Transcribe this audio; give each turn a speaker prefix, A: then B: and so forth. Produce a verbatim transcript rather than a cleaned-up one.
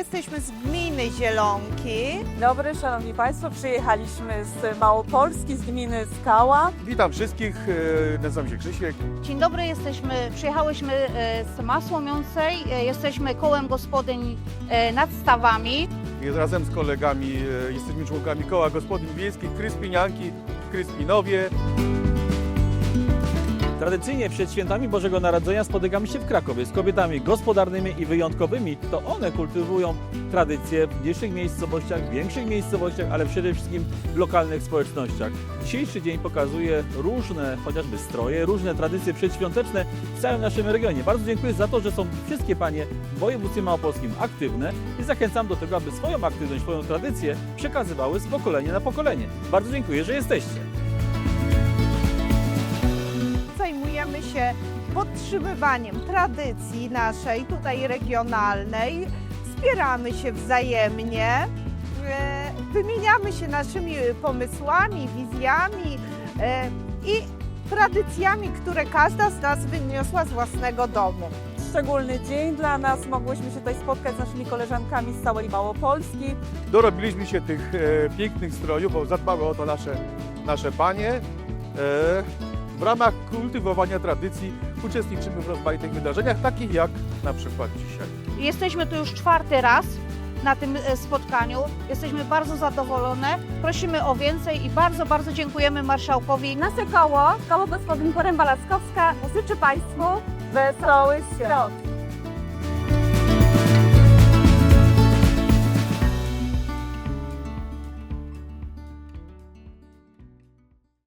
A: jesteśmy z gminy Zielonki.
B: Dzień dobry, szanowni państwo, przyjechaliśmy z Małopolski, z gminy Skała.
C: Witam wszystkich, e, nazywam się Krzysiek.
D: Dzień dobry, jesteśmy, przyjechałyśmy e, z Masłomiącej, e, jesteśmy kołem gospodyń e, nad Stawami.
C: I razem z kolegami e, jesteśmy członkami Koła Gospodyń Wiejskich Kryspinianki w Kryspinowie.
E: Tradycyjnie przed świętami Bożego Narodzenia spotykamy się w Krakowie z kobietami gospodarnymi i wyjątkowymi. To one kultywują tradycje w mniejszych miejscowościach, większych miejscowościach, ale przede wszystkim w lokalnych społecznościach. Dzisiejszy dzień pokazuje różne chociażby stroje, różne tradycje przedświąteczne w całym naszym regionie. Bardzo dziękuję za to, że są wszystkie panie w województwie małopolskim aktywne i zachęcam do tego, aby swoją aktywność, swoją tradycję przekazywały z pokolenia na pokolenie. Bardzo dziękuję, że jesteście.
A: Zajmujemy się podtrzymywaniem tradycji naszej, tutaj regionalnej. Wspieramy się wzajemnie, e, wymieniamy się naszymi pomysłami, wizjami e, i tradycjami, które każda z nas wyniosła z własnego domu.
B: Szczególny dzień dla nas, mogłyśmy się tutaj spotkać z naszymi koleżankami z całej Małopolski.
C: Dorobiliśmy się tych e, pięknych strojów, bo zadbały o to nasze, nasze panie. E, w ramach kultywowania tradycji uczestniczymy w rozmaitych wydarzeniach, takich jak na przykład dzisiaj.
D: Jesteśmy tu już czwarty raz na tym e, spotkaniu. Jesteśmy bardzo zadowolone, prosimy o więcej i bardzo, bardzo dziękujemy marszałkowi.
F: Nasze koło, koło gospodyń Poręba Laskowska, życzy Państwu
B: Wesołych świąt!